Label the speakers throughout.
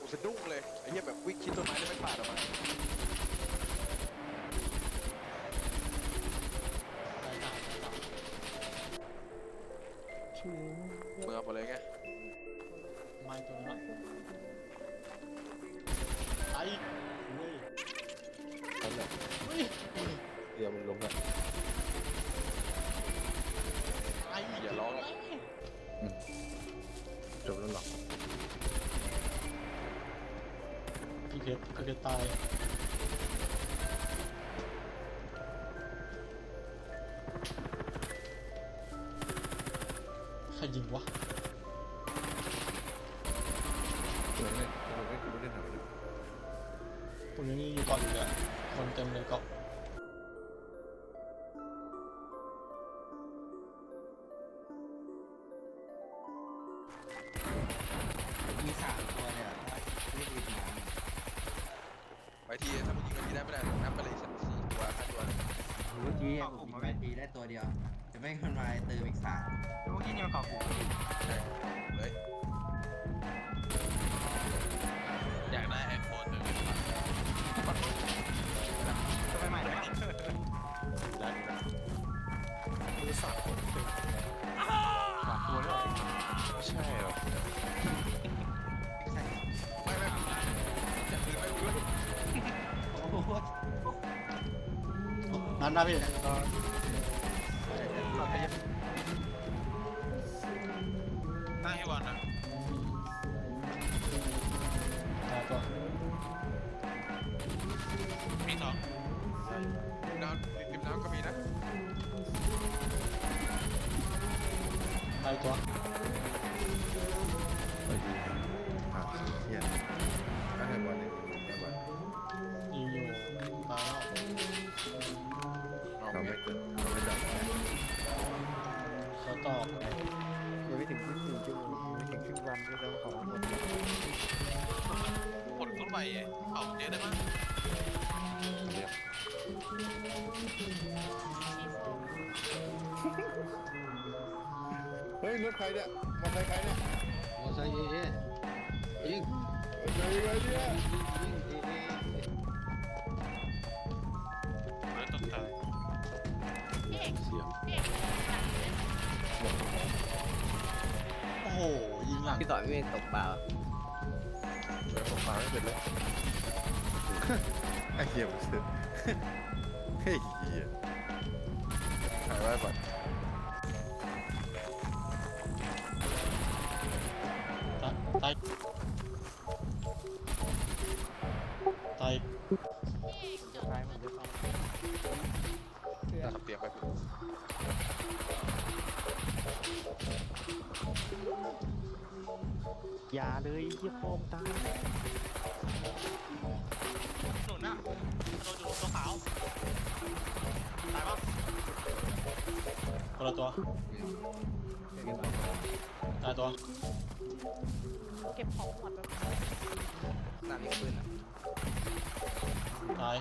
Speaker 1: สะดุ้งเลยไอ้เหี้ยแบบวิ่งชิดต้นไม้แล้วไม่ปาดออกมา
Speaker 2: ตายสามตายสาม
Speaker 1: มึงเอาหมดเลยไง
Speaker 2: ไม่ตัวนี้วะตายอีกเฮ้ย
Speaker 3: นั่นแหละ
Speaker 2: เฮ้ย
Speaker 3: เดี๋ยวมันลงอ่ะ
Speaker 2: ตายอีก
Speaker 1: อย่าร้องอะ
Speaker 3: จบแล้วหรอ
Speaker 2: พี่เพชรตายใครยิงวะ
Speaker 3: เล่นเราไม่ได้ทำอะไร
Speaker 2: ผมยังอยู่ก่อนอยู่เลยคนเต็มเลยเกาะ
Speaker 4: มี3 ตัวเลยอ่ะไม่ดีนะ
Speaker 1: ไปทีถ้ามึงยิงไปทีได้ไม่ได้นับไปเลยสัก4 ตัว5 ตัว
Speaker 4: เมื่อกี้ผมมาตีได้ตัวเดียวจะไม่คนมาเติมอีก3เมื่อกี้เนี่ยมันเกาะกู
Speaker 1: ใช่เลย
Speaker 5: อยากได้ไอโฟนหนึ่ง
Speaker 4: จะไปใหม่ได้ปะ
Speaker 1: ได้ได้
Speaker 2: มือสามคนเป็น
Speaker 1: 3 ตัวเลยไม่ใช่หรอก
Speaker 4: ใช่
Speaker 1: ไม่จับปืนไม่รู้
Speaker 4: โอ้โห
Speaker 2: นั่นนะพี่
Speaker 5: หน้าให้วันนะ
Speaker 2: ตายตัว
Speaker 5: มีสอง
Speaker 1: น้ำริมน้ำก็มีนะ
Speaker 2: ตายตัว
Speaker 3: ไปดีเฮียถ้าให้บอลเนี่ยได้บอล
Speaker 2: ยิงอยู่ตายแล้ว
Speaker 1: เอา
Speaker 3: เรา
Speaker 1: ไง
Speaker 3: ไม่เกิดเราไม่ดับ
Speaker 2: เขาตอบ
Speaker 6: ยังไม่ถึง1 ชั่วโมงยังไม่ถึงครึ่งวันด้วยซ้ำของหมด
Speaker 5: ผลต้นใบเป่าเจ๊ได้มั้ย
Speaker 3: เรียบเฮ้ยรถใครเนี่ยมอเตอร์ไซค์ใครเนี่ย
Speaker 6: มอไซค์ยิง
Speaker 3: เฮ้ยอะไรเนี่ย
Speaker 5: เฮ้ยต้นตาย
Speaker 3: เสียง
Speaker 2: โอ้โหยิงหลัง
Speaker 6: พี่ต่อยไม่ตกเปล่า
Speaker 1: ช่วยผมมาไม่เป็นเลย
Speaker 3: ไอ้เหี้ยมันเสือเฮ้ยเหี้ย
Speaker 1: ถ่ายไว้ก่อน
Speaker 2: ตายตาย
Speaker 6: ท้ายมันจะต้อง
Speaker 1: ทำเตรียมไปพี่
Speaker 6: อย่าเลยเยี่ยโฟมตาย
Speaker 5: หนุนน่ะโดนอยู่ตัวขาวตายปะ
Speaker 2: คนละตัวตายตัว
Speaker 7: เก็บของหมดแบบ
Speaker 4: สามยิงปืนอ่ะ
Speaker 2: ตาย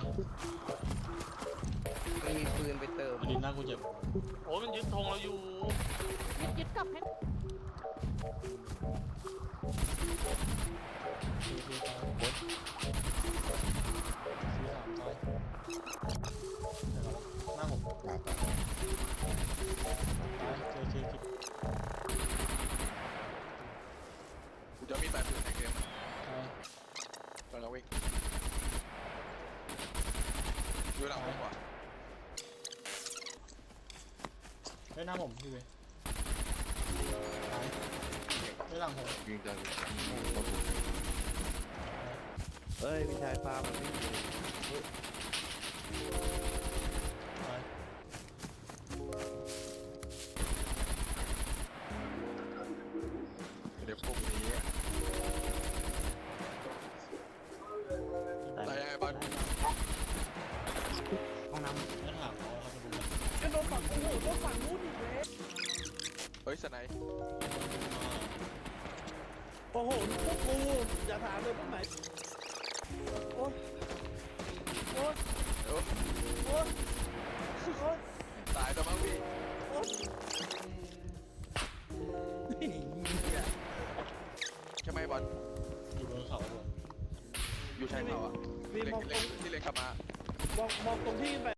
Speaker 4: ไม่มีปืนไปเติม
Speaker 2: อดินหน้ากูเจ็บ
Speaker 5: โอ้ยมันยึดธงเราอยู่
Speaker 7: ยึดกลับให้
Speaker 2: ซีตายซีสามตายหน้าผมตายเค
Speaker 1: กูจะมี8 ปืนในเกม
Speaker 2: ตาย
Speaker 1: ตอนเราวิ่งดูหลังผมว่ะ
Speaker 2: ได้หน้าผมพี่เว้ยตายได้หลังผม
Speaker 3: ยิงจัง
Speaker 6: เฮ้ยพี่ชายฟาร์มมันไม่
Speaker 2: ตาย
Speaker 1: เดี๋ยวพวกนี้
Speaker 6: ตาย
Speaker 1: ตายยังไงบ้าง
Speaker 4: ห้องน้ำ
Speaker 2: ไม่ถามเขาครับเป็นยังไง
Speaker 7: กระโดดฝั่งโอ้โหโดนฝั่งนู้นอีกเลย
Speaker 1: เฮ้ยสไนป์
Speaker 8: โอ้โหพวกกูอย่าถามเลยพวกไหนโอ๊ยโอ๊ย
Speaker 1: เดี๋ยว
Speaker 8: โอ๊ยโอ๊ย
Speaker 1: ตายตัวมั้งพี่
Speaker 8: โอ๊ย
Speaker 1: ใช่ไหมบอล
Speaker 2: อยู่บนเขาด้วย
Speaker 1: อยู่ชายเขาอ่ะ
Speaker 8: นี่
Speaker 1: เล็
Speaker 8: มองตรง
Speaker 1: ที่เล็กกลับมา
Speaker 8: มองตรงที่ขึ้นไป